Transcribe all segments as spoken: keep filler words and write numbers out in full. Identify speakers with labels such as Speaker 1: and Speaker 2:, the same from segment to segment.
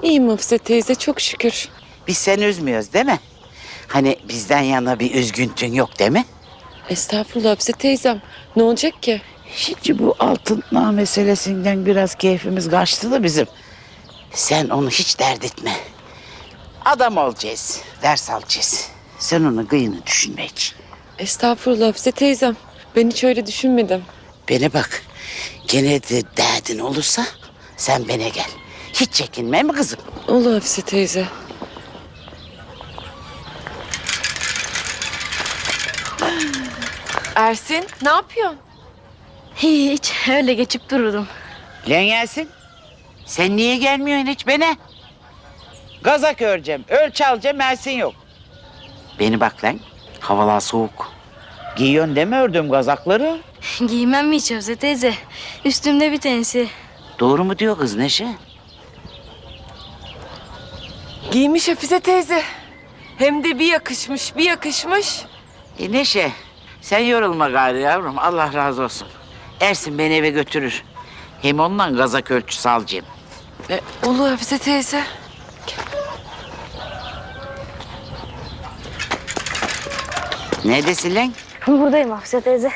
Speaker 1: İyiyim Hafize teyze, çok şükür.
Speaker 2: Biz seni üzmüyoruz değil mi? Hani bizden yana bir üzgüntün yok değil mi?
Speaker 1: Estağfurullah Hafize teyzem. Ne olacak ki?
Speaker 2: Şimdi bu altınla meselesinden biraz keyfimiz kaçtı da bizim. Sen onu hiç dert etme. Adam olacağız, ders alacağız. Sen onun kıyını düşünme hiç.
Speaker 1: Estağfurullah Hafize teyzem. Ben hiç öyle düşünmedim.
Speaker 2: Bana bak, gene de derdin olursa sen bana gel. Hiç çekinme mi kızım?
Speaker 1: Olur Hafize teyze. Ersin, ne yapıyorsun?
Speaker 3: Hiç öyle geçip dururdum.
Speaker 2: Lan Yasin, sen niye gelmiyorsun hiç bana? Gazak öreceğim, ölçü alacağım, Ersin yok. Beni bak lan, havalar soğuk. Giyiyorsun değil mi ördüğüm gazakları?
Speaker 3: Giymem mi hiç Hafize teyze? Üstümde bir tanesi.
Speaker 2: Doğru mu diyor kız Neşe?
Speaker 1: Giymiş Hafize teyze. Hem de bir yakışmış, bir yakışmış.
Speaker 2: E Neşe, sen yorulma gari yavrum, Allah razı olsun. Ersin beni eve götürür. Hem ondan gazak ölçüsü alacağım.
Speaker 1: E, olur Hafize teyze.
Speaker 2: Neredesin lan?
Speaker 3: Buradayım Hafize teyze.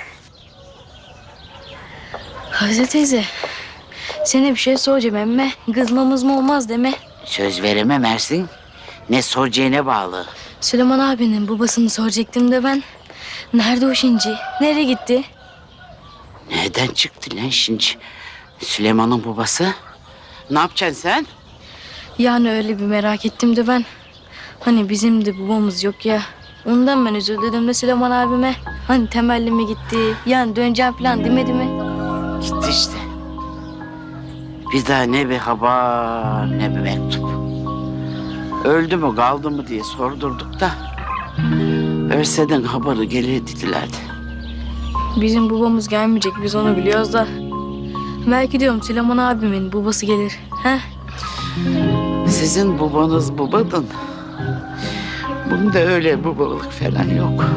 Speaker 3: Hafize teyze. Sana bir şey soracağım emme. Kızmamız mı olmaz deme.
Speaker 2: Söz veremem Ersin. Ne soracağına bağlı.
Speaker 3: Süleyman abinin babasını soracaktım da ben. Nerede o şimdi? Nereye gitti?
Speaker 2: Nereden çıktı lan şimdi Süleyman'ın babası? Ne yapacaksın sen?
Speaker 3: Yani öyle bir merak ettim de ben. Hani bizim de babamız yok ya. Ondan ben üzüldüm de Süleyman abime. Hani temelli mi gitti? Yani döneceğim falan demedi mi?
Speaker 2: Gitti işte. Bir daha ne bir haber ne bir mektup. Öldü mü kaldı mı diye sordurduk da. Ölseden haberi gelir dedilerdi.
Speaker 3: Bizim babamız gelmeyecek biz onu biliyoruz da. Belki diyorum Süleyman abimin babası gelir. He?
Speaker 2: Sizin babanız babadan. Bunda öyle babalık falan yok.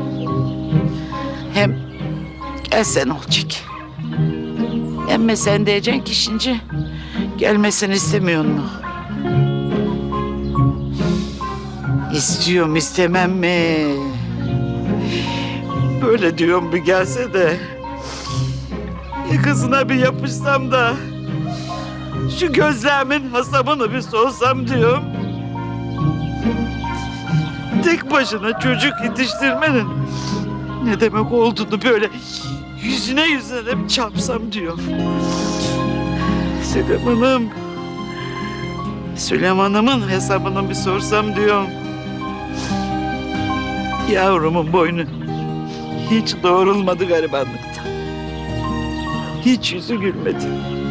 Speaker 2: Hem gelsen olacak. Emme sen diyeceksin ki şimdi gelmesini istemiyor mu? İstiyorum istemem mi? Böyle diyorum bir gelse de yakasına bir yapışsam da şu gözlerimin hasabını bir sorsam diyorum. Tek başına çocuk yetiştirmenin ne demek olduğunu böyle yüzüne yüzüne bir çarpsam diyorum. Süleyman'ım, Süleyman'ımın hesabını bir sorsam diyorum. Yavrumun boynu hiç doğrulmadı garibanlıktan. Hiç yüzü gülmedi.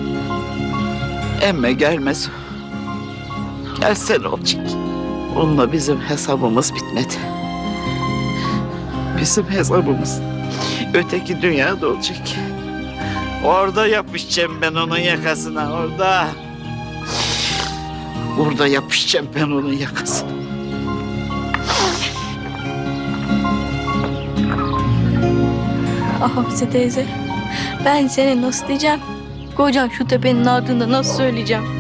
Speaker 2: Emme gelmez. Gelsen olacak. Onunla bizim hesabımız bitmedi. Bizim hesabımız öteki dünyada olacak. Orada yapışacağım ben onun yakasına, orada. Orada yapışacağım ben onun yakasına.
Speaker 3: Ah Hafize teyze. Ben seni nasıl diyeceğim? Kocam şu tepenin ardında nasıl söyleyeceğim?